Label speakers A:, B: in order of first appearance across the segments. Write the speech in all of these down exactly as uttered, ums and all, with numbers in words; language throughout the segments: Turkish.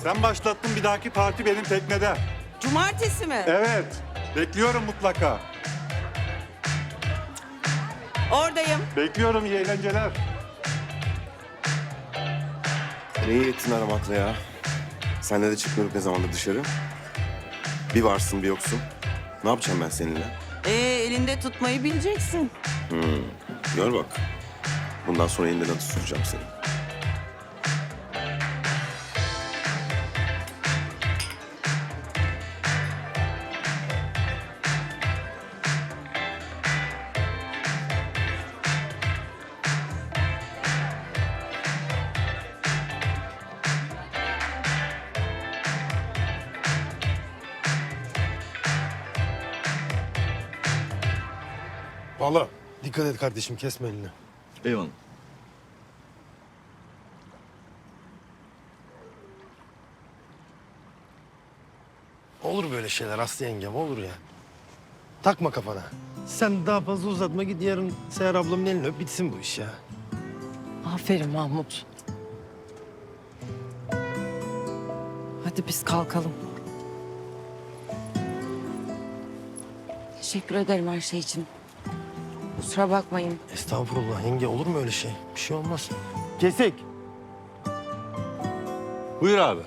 A: Sen başlattın, bir dahaki parti benim teknede.
B: Cumartesi mi?
A: Evet. Bekliyorum mutlaka.
B: Oradayım.
A: Bekliyorum, iyi eğlenceler.
C: Ne iyi ettin aramakla ya. Senle de çıkmıyorduk ne zamandır dışarı. Bir varsın bir yoksun. Ne yapacağım ben seninle?
B: Ee, elinde tutmayı bileceksin.
C: Gör bak. Bundan sonra elinden adı tutacağım seni.
D: Valla dikkat et kardeşim, kesme elini.
E: Eyvallah.
D: Olur böyle şeyler Aslı yengem, olur ya. Takma kafana. Sen daha fazla uzatma, git yarın Seher ablamın elini öp, bitsin bu iş ya.
F: Aferin Mahmut. Hadi biz kalkalım.
G: Teşekkür ederim her şey için. Kusura bakmayın.
D: Estağfurullah yenge, olur mu öyle şey? Bir şey olmaz. Kesik.
E: Buyur abi.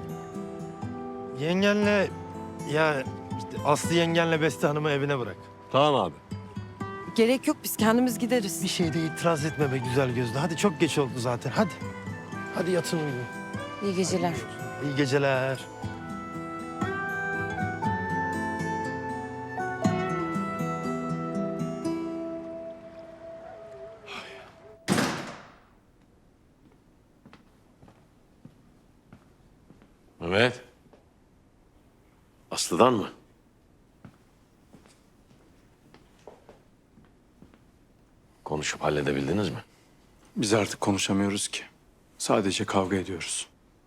D: Yengenle ya işte Aslı yengenle Beste Hanım'ı evine bırak.
E: Tamam abi.
F: Gerek yok, biz kendimiz gideriz.
D: Bir şeyde itiraz etme be güzel gözlü. Hadi çok geç oldu zaten, hadi. Hadi yatın uyuyun.
G: İyi geceler.
D: İyi geceler.
E: Mehmet. Aslı'dan mı? Konuşup halledebildiniz mi?
H: Biz artık konuşamıyoruz ki. Sadece kavga ediyoruz.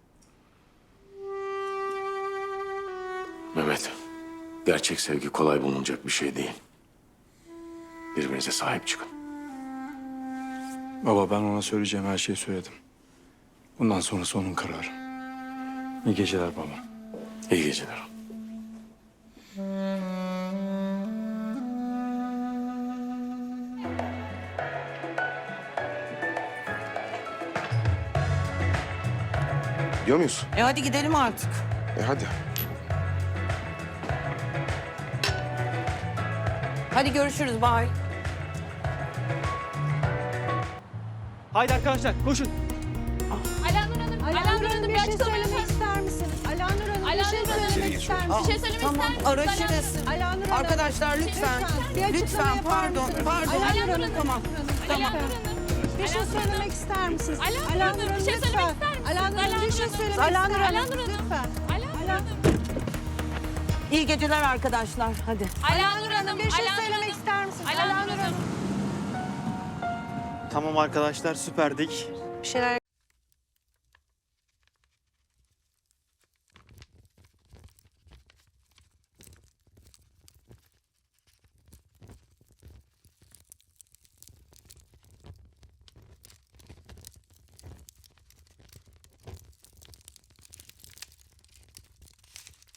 E: Mehmet, gerçek sevgi kolay bulunacak bir şey değil. Birbirinize sahip çıkın.
H: Baba, ben ona söyleyeceğim her şeyi söyledim. Bundan sonrası onun kararı. İyi geceler baba.
E: İyi geceler.
C: Gidiyor muyuz?
B: E hadi gidelim artık.
C: E hadi.
B: Hadi görüşürüz, bye.
I: Haydi arkadaşlar koşun.
J: Alanur Hanım, Alanur Hanım bir şey söylemek ister misiniz? Alanur Hanım bir şey söylemek ister misiniz? Bir şey söylemek
B: Tamam,
J: ister misiniz?
B: araşırız.
J: Alanur Hanım.
B: Arkadaşlar lütfen.
J: bir açıklama
B: Lütfen,
J: yapar
B: pardon,
J: mısınız?
B: pardon.
J: Alanur Hanım.
B: Tamam, tamam.
J: Bir şey söylemek ister misiniz?
G: Alanur Hanım, bir şey söylemek
J: lütfen.
G: ister misiniz?
J: Alanur Hanım bir şey söylemek
B: Alanur
J: ister
B: Hanım.
J: misiniz? Lütfen.
G: Alanur Hanım.
B: İyi geceler arkadaşlar, hadi.
J: Alanur Hanım bir şey söylemek ister misiniz?
G: Alanur Hanım.
I: Tamam arkadaşlar süperdik.
J: Bir şeyler